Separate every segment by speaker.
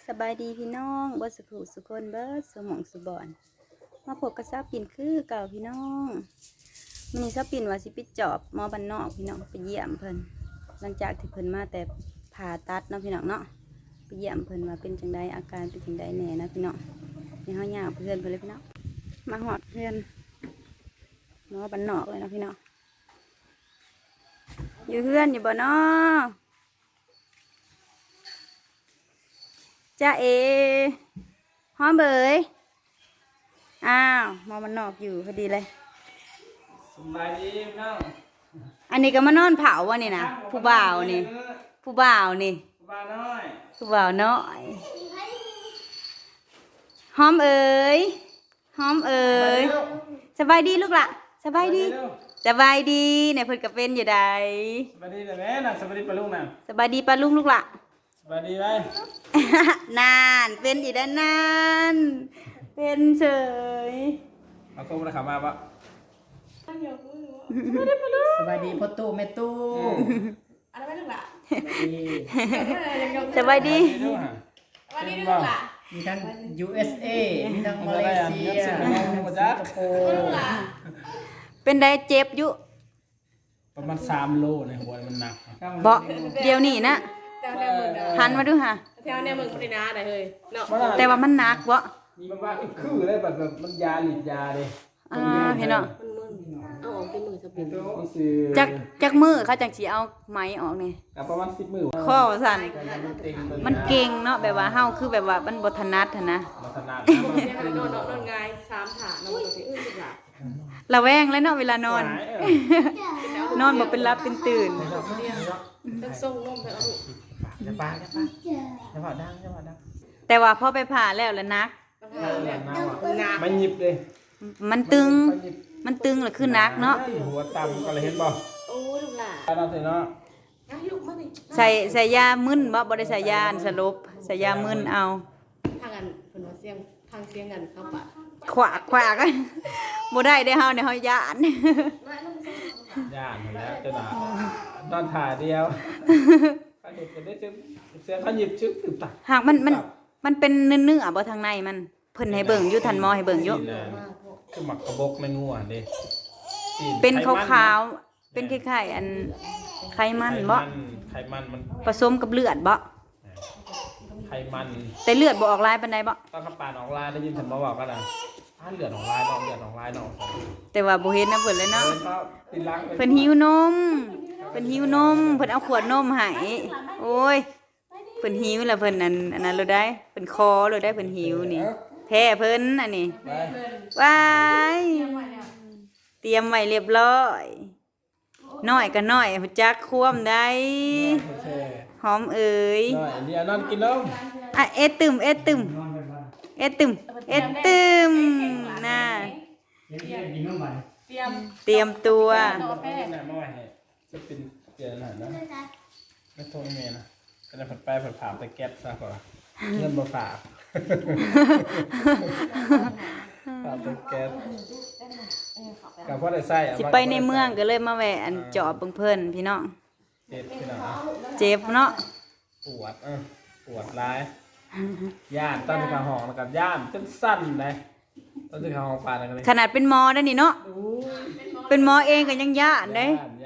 Speaker 1: สบายดีพี่น้องเบิดสุขสุคนเบิดสมองสุบอนมาพบกับซาปิ่นคือเก่าพี่น้องมื้อนี้ซาปิ่นว่าสิไปจอบหมอบ้านนอกพี่น้องไปเยี่ยมเพิ่นหลังจากที่เพิ่นมาแต่ผ่าตัดเนาะพี่น้องเนาะไปเยี่ยมเพิ่นว่าเป็นจังไดอาการเป็นจังไดแหน่นะพี่น้องนี่เฮาย่างเพื่อนเพิ่นเลยพี่น้องมาฮอดเพื่อนหมอบ้านนอกเลยนะพี่น้องอยู่เพื่อนอยู่บ่เนาะจ้าเอหอมเบยอ้าวมอมันนอกอยู่พอดีเลย
Speaker 2: สบายดีน้อง
Speaker 1: อันนี้ก็มานอนเผาวะนี่นะผู้บ่าวนี่ผู้บ่าวนี่
Speaker 2: ผู้บ่าวน้อย
Speaker 1: ผู้บ่าวน้อยหอมเอ๋ยหอมเอ๋ยสบายดีลูกละสบายดีสบายดีเนี่ยเพิ่นก็เป็นอยู่ใด
Speaker 2: สบายดีแต่แม่น่ะสบายดีปะลุงน่ะ
Speaker 1: สบายดีปะลุงลูกละ
Speaker 2: สบายดีไหม
Speaker 1: นานเป็นอยู่ด้านนานเป็นเฉย
Speaker 2: เอาโค้งมาขับมาปะ
Speaker 3: สบายดีพ่อตู้แม่ตู้
Speaker 4: อะไรไม่ถูกละ
Speaker 1: สบายดี
Speaker 4: วันนี้ถูกละ
Speaker 3: มีทั้ง USA มีทั้งมาเลเซียสิงคโปร์
Speaker 1: เป็นได้เจ็บอยู่
Speaker 2: ประมาณ3 โลในหัวมันหนัก
Speaker 1: เบาเดี๋ยวนี้นะหันมาดูค่ะ
Speaker 4: แถวเนี่ยมึงไม่ได้นะได้เลยเนาะ
Speaker 1: แต่ว่ามันหนักวะ
Speaker 2: มันว่าคือเลยแบบมันยาหลีดยาเลย
Speaker 1: เห็นเนาะ
Speaker 4: เอาออกที่มือจะเป็น
Speaker 1: จักมือเขาจังสีเอาไม้ออกนี่
Speaker 2: ประมาณ10 มือ
Speaker 1: ข้อสั่นมันเก่งเนาะแบบว่าเฮาคือแบบว่ามันบ่ถนัดนะ
Speaker 2: ถนัด
Speaker 4: นอนง่าย3 ถาดนอนตัวอื่นถูกละ
Speaker 1: ระแวงแล้วเนาะเวลานอนนอนบ่เป็นรับเป็นตื่น
Speaker 4: ต้องส่งนมไปเอา
Speaker 3: จะปาดัง
Speaker 1: แต่ว่าพอไปผ่าแล้วนัก
Speaker 2: มันหยิบเลย
Speaker 1: มันตึงหรือคือนักเนาะ
Speaker 2: หัวต่ำก็เลยเห็นบ่
Speaker 4: โอ้ลูกหล่ะ
Speaker 2: เราเสร็จเนาะ
Speaker 1: ใส่ยามึนบ่ได้ใส่ยาสลบใส่ยามึนเอา
Speaker 4: ทางกันเพิ่นว่าเสียงทางเสียงกันเข้าปะ
Speaker 1: ขวากบ่ได้ได้เฮาเนี่ยเฮาย่าน
Speaker 2: แล้วจะหนานอนถ่ายเดียวเขาหยิบกันได้เสียงเขาหยิบชึกตึบตัก
Speaker 1: หากมันเป็นเนื้อบ่ทางในมันเพิ่นให้เบิ่งอยู่ทันหมอให้เบิ่งอยู่
Speaker 2: คือหมักกระบกไม่งัวเด้
Speaker 1: เป็นขาวๆเป็นคล้ายๆอันไขมันบ่
Speaker 2: ไขมันมัน
Speaker 1: ผสมกับเลือดบ่
Speaker 2: ไขมัน
Speaker 1: แต่เลือดบ่ออกลายปานใดบ่
Speaker 2: ต้องขับปานออกลายได้ยินฉันมาบอกกันนะเลือดออกลายน้อง
Speaker 1: แต่ว่าบ่เห็นนะเพิ่นเลยเนาะเพิ่นหิวนมเพิ่นเอาขวดนมให้โอ้ยเพิ่นหิวแล้วเพิ่นอันนั้นเลยได้เพิ่นคอเลยได้เพิ่นหิวนี่แพ้เพิ่นอันนี้ว้ายเตรียมไว้เรียบร้อยน้อยก็น้อยฮู้จักควมได้หอมเอ๋ย
Speaker 2: น้อยนี่นอนกินนม
Speaker 1: เอ็ดตึมน่ะเตรียมตัว
Speaker 2: จะเป็นเปลี่ยนหน่อยนะไม่โทษเมย์นะก็จะผัดไปผัดผ่าไปแก๊สซะก่อนเงินมาฝากผ่าไปแก๊สกับพ่อได้ใส่
Speaker 1: สิไปในเมืองก็เลยมาแวะอันจอบเบิ่งเพิ่นพี่น้องเจ็บเนาะ
Speaker 2: ปวดร้ายย่านตอนที่ขาห้องแล้วกับย่านจนสั้นเลยตอนที่ขาห้องปานอะไร
Speaker 1: ขนาดเป็นหมอได้นี่เนาะเป็นหมอเองก็ยังย่านเด้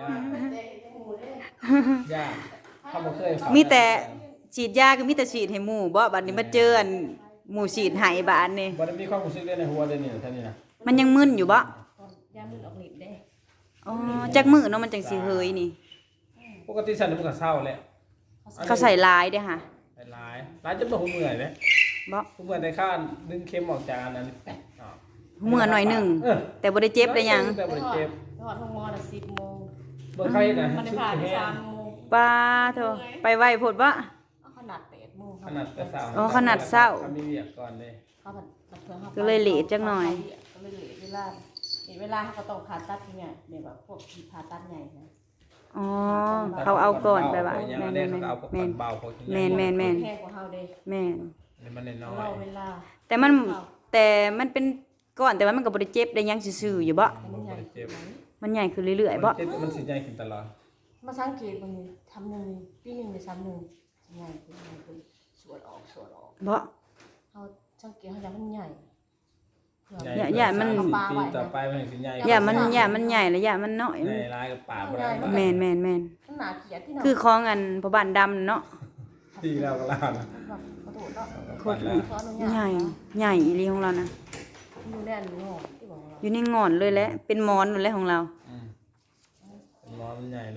Speaker 1: มีแต่ฉีดยาก็มีแต่ฉีดให้หมู่บ่บัดนี้มาเจออันหมู่ฉีดให้บาดนี่
Speaker 2: บ่ได้มีความรู้สึกในหัวเด้นี่ท่านี้นะ
Speaker 1: มันยังมึนอยู่บ่
Speaker 4: ยามึนออกฤทธิ์เด้
Speaker 1: อ๋อจักมื้อเนาะมันจังสิเฮยนี่
Speaker 2: ปกติฉันมันก็เศร้าแหละ
Speaker 1: เขาใส่ลายเด้ค่ะ
Speaker 2: ลายจะบ่ฮู้เมื่อยเด้
Speaker 1: บ่
Speaker 2: ฮู้เมื่อยได้ค่าดึงเข็มออกจากอันนั้น
Speaker 1: เมื่อหน่อยนึงแต่บ่ได้เจ็บได้หยัง
Speaker 2: แต่บ่ได้เจ็บ
Speaker 4: ฮอดโรงหมอน่ะ10 โมง
Speaker 2: บ่ใครน่ะ
Speaker 4: มันได้ผ่าน3 โมง
Speaker 1: ป้าโธ่ไปไวโพดบ่
Speaker 4: ขนาด8 โมง
Speaker 2: ขนาดแต่เช้า
Speaker 1: ขนาดเช้า
Speaker 2: มีเวียกก่อนเด้
Speaker 1: ก็เลยเลทจักหน่อย
Speaker 4: ก็เลยเลทเวลาเขาต้องผ่าตัดที่ไงแบบว่าพวกที่ผ่าตัดใหญ่นะ
Speaker 1: อ๋อเขาเอาก่อนไปว่า
Speaker 2: แม่นแม่นมันน้อย
Speaker 1: แต่มันเป็นก่อนแต่ว่ามันก็บ่ได้เจ็บได้ยังซื่อๆอยู่บ่มันใหญ่ขึ้นเรื่อยๆบ่
Speaker 2: มันสิใหญ่ขึ้นตลอด
Speaker 4: มาสังเกตบางทีทำนึงปีนึงได้3 นึงใหญ่ขึ้นสวดออก
Speaker 1: บ่
Speaker 4: เขาสังเกตเขาจะมันใหญ่
Speaker 1: อย่ามัน
Speaker 2: ปีต่อไปมันถึงใหญ่
Speaker 1: อย่ามันใหญ่และอย่ามันน้อย
Speaker 2: ใหญ่ลายกับป่าบ่ได้
Speaker 1: แม่น
Speaker 4: มันหนาเขียดที่
Speaker 1: คือของอันพ่อบ้านดำเนาะ
Speaker 2: ที่เราก็ลานะ
Speaker 4: แบบกระโดดเนาะ
Speaker 1: โคตรใหญ่อีหลีของเรานะ
Speaker 4: อยู่แน่นงอที่บอกเรา
Speaker 1: อยู่ในงอนเลยแหละเป็นหมอนเลยของเรา
Speaker 2: เป็นร้อนมันใหญ่เลย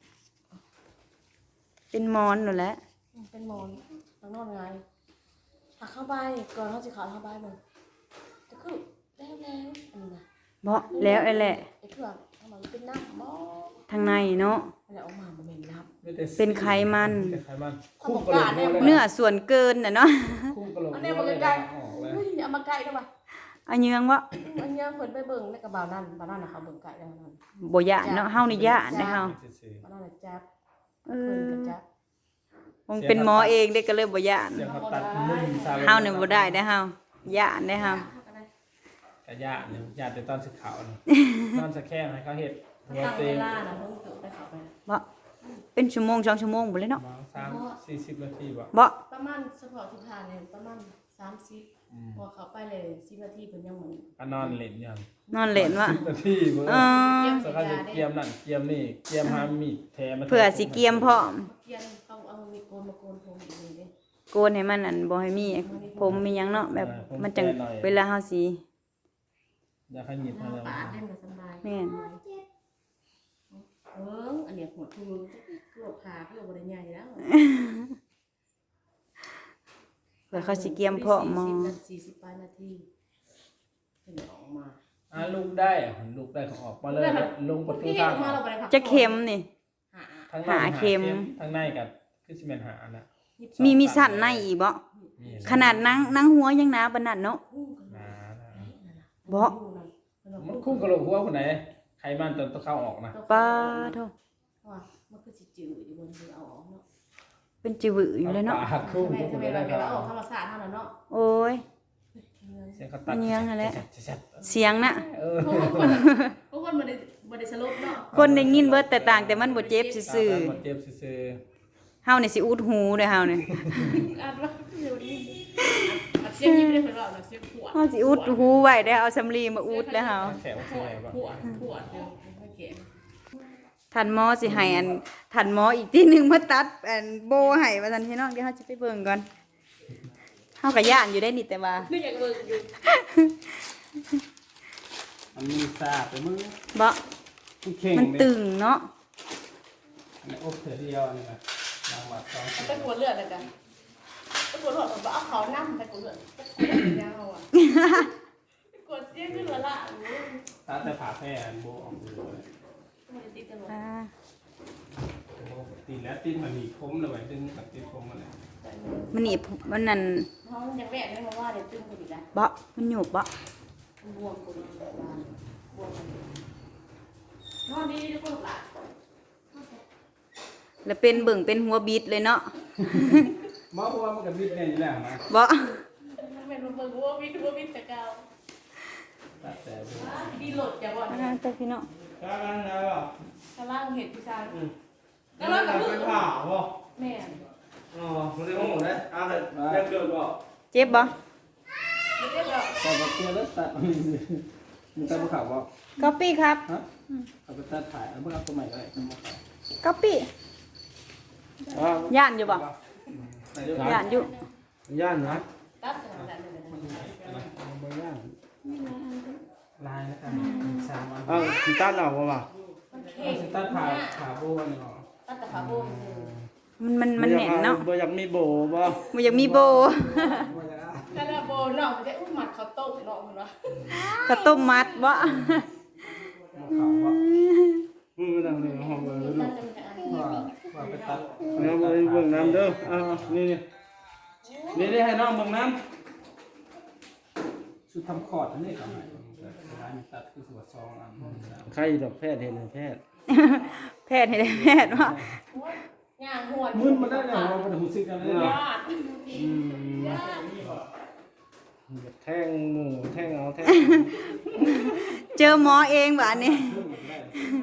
Speaker 1: เป็นหมอนนั่นแหละ
Speaker 4: เป็นมอนทางนอนไงหักเข้าใบก่อนเขาจะขาวเข้าใบมันจะคือแล้วอันนี้นะ
Speaker 1: บ่แล้วไอ้แหละ
Speaker 4: ไอ้เครื่องทำไมเป็นน้ำมอ
Speaker 1: ทางในเนาะ
Speaker 4: อะไรออกมามันเป็นน้ำ
Speaker 1: เป็นไขมัน
Speaker 2: เป็นไขมัน
Speaker 4: คู่กระโหลกเลย
Speaker 1: เนื้อส่วนเกินน่ะเนาะ
Speaker 2: คู่กระโหลก
Speaker 4: อันนี้มันเป็นไก่
Speaker 2: ออกเลย
Speaker 4: เฮ้ยเอามาไก่ได้ปะ
Speaker 1: อันเยืองวะ
Speaker 4: อันนี้เพิ่นไปเบิ่งในกระเป๋านั่นบ้านนั่นนะเขาเบิ่งไก่ได้นั่น
Speaker 1: บ่ยานเนาะเฮานี่ยานได้เฮา
Speaker 4: บ้านนั่นน่ะจับ
Speaker 1: เอ
Speaker 4: เพิ่น
Speaker 1: อ
Speaker 4: ก็จับ
Speaker 1: มันเป็นหมอเองเด้ก็เลยบ่ยาน
Speaker 2: เสียงเขาตัดมุมซา
Speaker 1: เฮานี่บ่ได้ได้เฮาย่านได้เฮา
Speaker 2: กระยาเนี่ยยาแต่ตอนสึกขาวนี่ตอนสะแข้งให้เขาเฮ็ดหัว
Speaker 4: ตั้ง
Speaker 2: เต
Speaker 4: เว
Speaker 2: ง
Speaker 4: ลานะเพิ่นตื่นได้เข้าไป
Speaker 1: บ่เป็นชั่วโมง2ชั่วโมงบ่เลยเนาะ
Speaker 2: 30-40 นาทีบ่
Speaker 1: บ่
Speaker 4: ประมาณเฉพาะที่ผ่านเนี่ยประมาณ30พอเข้าไปเลย10นาทีเพิ่นยังเหมือน
Speaker 2: ก็นอนเล่นอย่าง
Speaker 1: นอนเล่นวะ
Speaker 2: 10 นาทีเบิ่ง
Speaker 1: เออ
Speaker 2: สเขาจะเกียมนั่นเกียมนี่เกียมหามีดแทมา
Speaker 1: เพื่อสิเกียมพร้อม
Speaker 4: เกียนต้องเอามีโกนมาโกนผมอีกนี่เด้
Speaker 1: โกนให้มันอันบ่ให้มีผมมีหยังเนาะแบบมันจังเวลาเฮาสิ
Speaker 2: อยากให้หยิบมาแล้ว
Speaker 4: ปาดได้มันสบาย
Speaker 1: แม่น
Speaker 4: อันเนี้ยหัวทูคือว่าพาเพื่อบ่ได้ใหญ่แล้ว
Speaker 1: เพื่อเขาสิเกียมพร้อมหมอ
Speaker 4: 40นาทีเพิ่นออกมา
Speaker 2: ลูกได้ลูกได้เขาออกมาเลยลงประตูทาง
Speaker 4: มาเราบ่ได้พัก
Speaker 1: จะเข็มนี่
Speaker 2: ทาง
Speaker 1: หาเข็ม
Speaker 2: ทางในกับคือสิแม่นหานะ
Speaker 1: มีสั่นในอีกบ่ขนาดนั่งหัวยังหนาปานนั้นเนาะ บ่
Speaker 2: มันคุ้มกระโหลกหัวคนไหนใครมันจนต้องเข้าออกนะ
Speaker 1: ปาโท
Speaker 4: ว่ามันคือสิจืดอยู่บนคือเอาออกเนาะ
Speaker 1: เป็นจิวืออยู่เลยเนาะ
Speaker 2: ปากคุ้ม
Speaker 4: ทำไมเราออกธรรมชาติเท่านั้นเนาะ
Speaker 1: โอ้ย
Speaker 2: เสียงเขาตัด
Speaker 1: เงี้ยงอะไร
Speaker 2: แซ่บ
Speaker 1: เสียงน่ะ
Speaker 4: ทุกคนบ่ได้สลบเนาะ
Speaker 1: คนได้ยินเบิดแต่ต่างแต่มันบ่เจ็บซื่อ
Speaker 2: เจ็บซื่อ
Speaker 1: ๆเฮานี่สิอุดหูเด้อเฮานี่
Speaker 4: อ่านว่าเดี๋ยวนี้เสียงยิ้มได้เพิ่นว่าเสียงผัว
Speaker 1: เฮาสิอุดหูไว้ได้เอาสำลีมาอุดแล้วเฮา
Speaker 2: แขวสวยป่ะ
Speaker 4: ผัวเดี๋ยวให้เก๋
Speaker 1: ท่านหมอสิให้อันท่านหมออีกทีหนึงมาตัดอันโบให้ว่าซั่นพี่น้องเดี๋ยวเฮาสิไปเบิ่งก่อนเฮาก็ย่านอยู่ได้นี่แต่ว่า
Speaker 4: นึกอยากเบิ่งอยู่
Speaker 2: มันมีซาไปมือ
Speaker 1: บ่
Speaker 2: เข่ง
Speaker 1: มันตึงเนาะ
Speaker 2: ในอกเถื่อเดียวนี่นะรางวัล2
Speaker 4: ไปกวดเลือดเลยกันไปกวดเลือดบ่เอาเขานำไปกวดเลือดยาวอ่ะไปกวดเสียงขึ้นละ
Speaker 2: ถ้าแต่ผ่าแพ้โบออกดูเลย
Speaker 4: มันติดกันหมด
Speaker 1: อ่า
Speaker 2: โบตีแล้วตีมันมีคมเลยไว้ดึงกับตีคมมาเลย
Speaker 1: มันนี่มันนั่น
Speaker 4: เฮายังแม่ได้มาว่าได้ตึ้งกันอีกแล้ว
Speaker 1: บ่มันหยุบบ่
Speaker 4: บวมกูดีกว่าบวมนอนดีทุกคนละ
Speaker 1: แล้วเป็นเบิ่งเป็นหัวบิดเลยเนาะ
Speaker 2: หมอบอกว่ามันกับบิดเนี่ยอยู่แล้วนะ
Speaker 1: บ่
Speaker 4: มันเป็นเบิ่งวัววิทแต่เก่า
Speaker 2: ตัดแต่ดู
Speaker 4: ดีโหลดอย่าบ่
Speaker 1: อ่าแต่พี่น้อง
Speaker 2: กำลังแล้วอ่ะ
Speaker 4: กำลังเห็ดพี่ชาย
Speaker 2: กำลังกับไปผ่าบ่
Speaker 4: แม่
Speaker 2: อ๋อมันได้ห้องเลยเอาเลยเรียกเกินบ่
Speaker 1: เจ็บบ่
Speaker 4: ไม่ได้แบบ
Speaker 2: ตอนเตี้ยแล้วตัดมันตัดบ่ขาวบ่
Speaker 1: ก๊อปปี้ครับ
Speaker 2: ฮะเอาไปตัดถ่ายเอาเพิ่งเอาตัวใหม่เลยบ่ขาว
Speaker 1: ก๊อปปี้ย่านอยู่บ่ย่านอยู่
Speaker 2: ย่านนะ
Speaker 4: ตัดสนามแบบนั้น
Speaker 2: บ่ย่านลายนะครับ3อัน
Speaker 3: สิตัดเอาบ่วะ
Speaker 4: มันเข่ง
Speaker 2: ตัดขาโบนี่เนาะ
Speaker 4: ตัดแต่ขาโบม
Speaker 1: มันแน่นเนาะ
Speaker 3: บ่อยากมีโบบ่
Speaker 1: มันอยากมีโบ
Speaker 4: แต่ละโบเนาะมันจะอุ้มหมัดเขาโต๊ะเนาะมันว่า
Speaker 1: ข้าวต้มมัดบ่
Speaker 2: บ่ขาวบ่
Speaker 3: มึงมานั่งนี่ห้องเบิ่งลูก
Speaker 2: ว่าไปตัด
Speaker 3: เอาไปเบิ่งน้ำเด้อนี่นี่ได้ให้น้องเบิ่งน้
Speaker 2: ชุดทำคอร์ดอันนี้ก็ให้ร้านตัดคือสวัสดิ์2อัน
Speaker 3: ำใครดอกแพทย์เห็นแพทย์
Speaker 1: แพทย์ให้ได้แพทย์ว่า
Speaker 4: ย่างหวน
Speaker 2: มึนมาได้แล้วบ่ได้ฮู้สึกกันเลย
Speaker 4: ญาติ
Speaker 3: แท่งหมูแท่งเอาแท่ง
Speaker 1: เจอหมอเองบ่อันนี้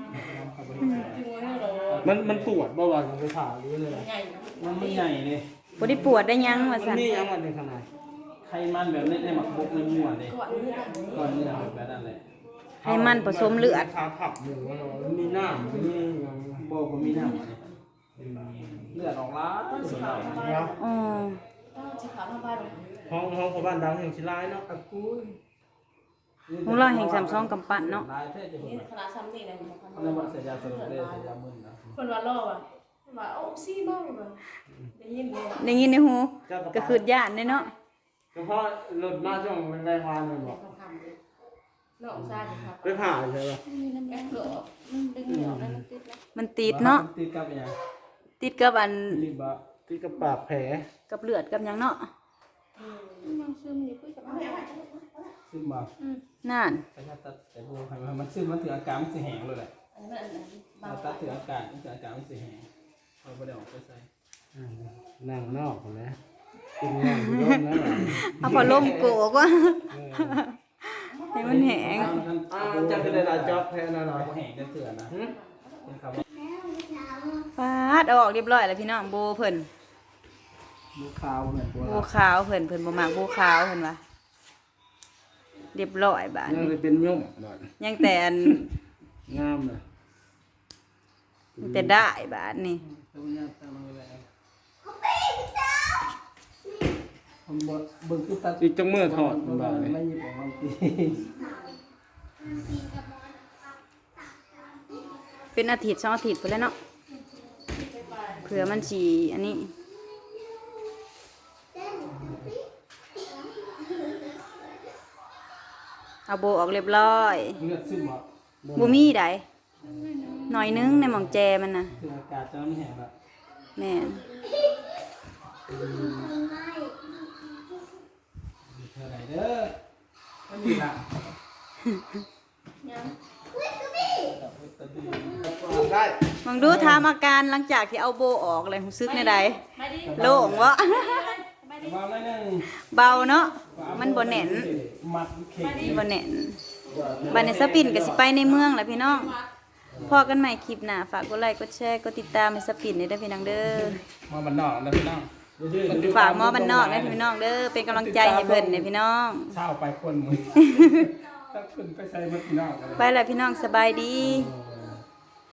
Speaker 3: มันปวดบ่วะไปผ่าหรือเลย
Speaker 4: ใหญ่
Speaker 2: มันไม่ใหญ่เลย
Speaker 1: บ่ได้ปวดได้หยังว่า
Speaker 3: มัน
Speaker 1: ซั่น
Speaker 3: มีหยังมันในข้างใน
Speaker 2: ไขมันแบบในหมักบกในมั่วเด้
Speaker 4: ก่อนนี้นะ
Speaker 2: ก่อนเนื้อแบบนั้นแหละ
Speaker 1: ให้มันผสมเลือด
Speaker 3: ขาผับหมูมันมีน้ำมีหยัง
Speaker 2: บ่มีน้ำเลยเลือดออกล้าสุดแล้ว
Speaker 3: เนาะ
Speaker 1: อ๋อ
Speaker 4: ต้องสิขาวทางบ้านเลย
Speaker 3: ห้องพ่อบ้านดังแห่งชิลายเนาะ
Speaker 1: ของเราแห่ง32กำปั้นเนาะ
Speaker 2: ลายแท้จะ
Speaker 4: นี่
Speaker 2: เห็น
Speaker 4: ขนาดซ้ำนี่นะ
Speaker 2: เขาเรียกว่าเสียยาสลบเลยเสียยามึนนะ
Speaker 4: คนว่าล่อว่ะว่าโอ้ซี่บ้างแบบได้ยินเลย
Speaker 1: ได้ยินในหูก็คือย่านเนาะ
Speaker 3: เฉพาะรถมาช่วงแรงๆวานเลยบอก
Speaker 4: คำๆเลยนอกซ่าครับ
Speaker 3: ไปผ่าใช่ปะ
Speaker 4: แม่เกือบมันดึงเหนียวแล้วมันติดแล้ว
Speaker 1: มันติดเนาะ
Speaker 2: ติดกับอย่าง
Speaker 1: ติดกับอัน
Speaker 2: รีบบ่
Speaker 3: ที่กระปากแผล
Speaker 1: กับเลือดกับหยังเนาะ
Speaker 4: ยังซึมอยู่คุยกับแม่
Speaker 2: ซึ่งบ่
Speaker 1: นั่น
Speaker 2: ไปตัดแต่บัวให้มันซึ่งมันถืออาการมันสิแห้งเลยแหละ
Speaker 4: อันนั้นอันนั้นบาง
Speaker 2: ตัดถืออาการมันสิแห้งเอาบ่ได้ออกไปใส่
Speaker 3: นั่งนอกนะกินนั่งอยู่ร่มนะ
Speaker 1: เอาพอลมโกกว่าให้มันแห้ง
Speaker 3: จะเป็นอะไรจ็อบแท้น่นอน
Speaker 2: บ่แห้งจะเถื่อนนะเป็นคำว่า
Speaker 1: ปาดเอาออกเรียบร้อยแล้วพี่น้องโบเพิ่น
Speaker 2: ลูกขาวเหมือนบัว
Speaker 1: โบขาวเพิ่นบ่มักโบขาวเพิ่นว่าเรียบร้อยบาด
Speaker 3: ยัง
Speaker 1: นี้
Speaker 3: จะเป็นยุ่มบ่
Speaker 1: ยังแต่อัน
Speaker 3: งามเลย
Speaker 1: ยังแต่ได้บาดนี้
Speaker 2: ตัวนี้ตั้งมือไว้ผมบ่เบิ่งคือตัด
Speaker 3: อีกจังมือถอดบ่าเลย
Speaker 2: ไม่หยิบออกมาตี
Speaker 1: เป็นอาทิตย์2อาทิตย์พุ่นแล้วเนาะเผื่อมันสิอันนี้เอาโบออกเรียบร้อย
Speaker 2: เลือดซึมบ่
Speaker 1: บ่มีใดหน่อยนึงในหม่องแจมันน่ะ
Speaker 2: ถืออากาศจะมันแห้งละ
Speaker 1: แม่น
Speaker 2: เท่าไหร่เด้อไม่มีละ
Speaker 4: ยัง
Speaker 3: ได้
Speaker 1: มองดูถามอาการหลังจากที่เอาโบออกเลยรู้สึกในใด
Speaker 4: ไม่ดี
Speaker 1: โล่งวะ
Speaker 4: ไม่ดี
Speaker 2: วางได้นึง
Speaker 1: เบาเนาะมันบ่แน่น
Speaker 2: มัดเข่ง
Speaker 1: บ่แน่นบัดนี้สปินก็สิไปในเมืองแหละพี่น้องพอกันใหม่คลิปหน้าฝากกดไลค์กดแชร์กดติดตามให้สปินได้เด้อพี่น้องเด้อ
Speaker 2: มาบันนอกนะพี่น้อง
Speaker 1: ฝากหมอบ้านนอกนะพี่น้องเด้อเป็นกำลังใจให้เพิ่นเด้อพี่น้อง
Speaker 2: เช้าไปคนมือถ้าขึ้นไปใส่มาพี่น้องกันเลย
Speaker 1: ไปแล้วพี่น้องสบายดี
Speaker 2: เ